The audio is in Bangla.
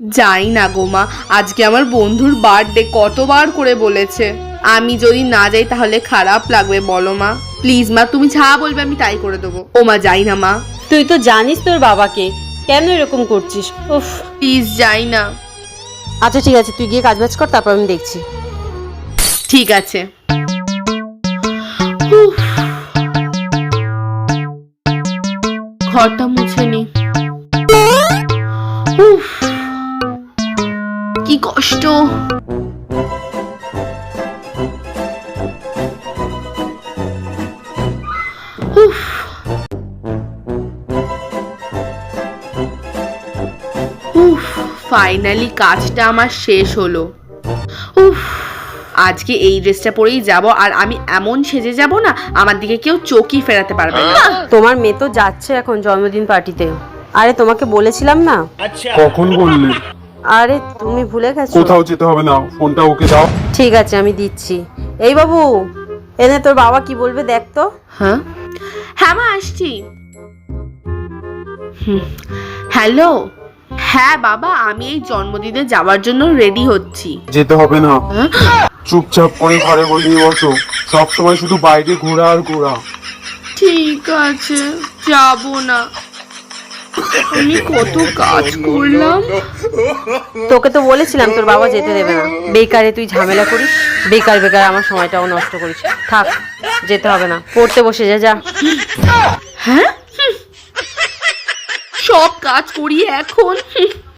যাই না গো মা, আজকে আমার বন্ধুর বার্থডে, কতবার করে বলেছে। আমি যদি না যাই তাহলে খারাপ লাগবে বলো মা। প্লিজ মা, তুমি যা বলবে আমি তাই করে দেবো। ও মা, যাই না মা। তুই তো জানিস তোর বাবাকে, কেন এরকম করছিস? উফ। প্লিজ যাই না। আচ্ছা ঠিক আছে, তুই গিয়ে কাজবাজ কর, তারপর আমি দেখছি। ঠিক আছে। ঘরটা মুছে নি। কি কষ্ট। ফাইনালি কাজটা আমার শেষ হলো। আজকে এই ড্রেসটা পরেই যাব, আর আমি এমন সেজে যাব না, আমার দিকে কেউ চোখই ফেরাতে পারবে না। তোমার মেয়ে তো যাচ্ছে এখন জন্মদিন পার্টিতে। আরে তোমাকে বলেছিলাম না? কখন বললে? আরে তুমি ভুলে গেছো। কোথাও যেতে হবে না, ফোনটা ওকে দাও। ঠিক আছে, আমি দিচ্ছি। এই বাবু, এনে তোর বাবা কি বলবে দেখ তো। হ্যাঁ হ্যাঁ মা, আসছি। হ্যালো। হ্যাঁ বাবা, আমি এই জন্মদিনে যাওয়ার জন্য রেডি হচ্ছি। যেতে হবে না, চুপচাপ করে ঘরে বসে বসো। সবসময় শুধু বাইরে ঘোরা আর ঘোরা। ঠিক আছে, যাব না। আমি কত কাজ করলাম। তোকে তো বলেছিলাম তোর বাবা যেতে দেবে না। বেকারে তুই ঝামেলা করিস, বেকার বেকার আমার সময়টাও নষ্ট করিস। থাক, যেতে হবে না, পড়তে বসে যা যা। হ্যাঁ, সব কাজ করি এখন।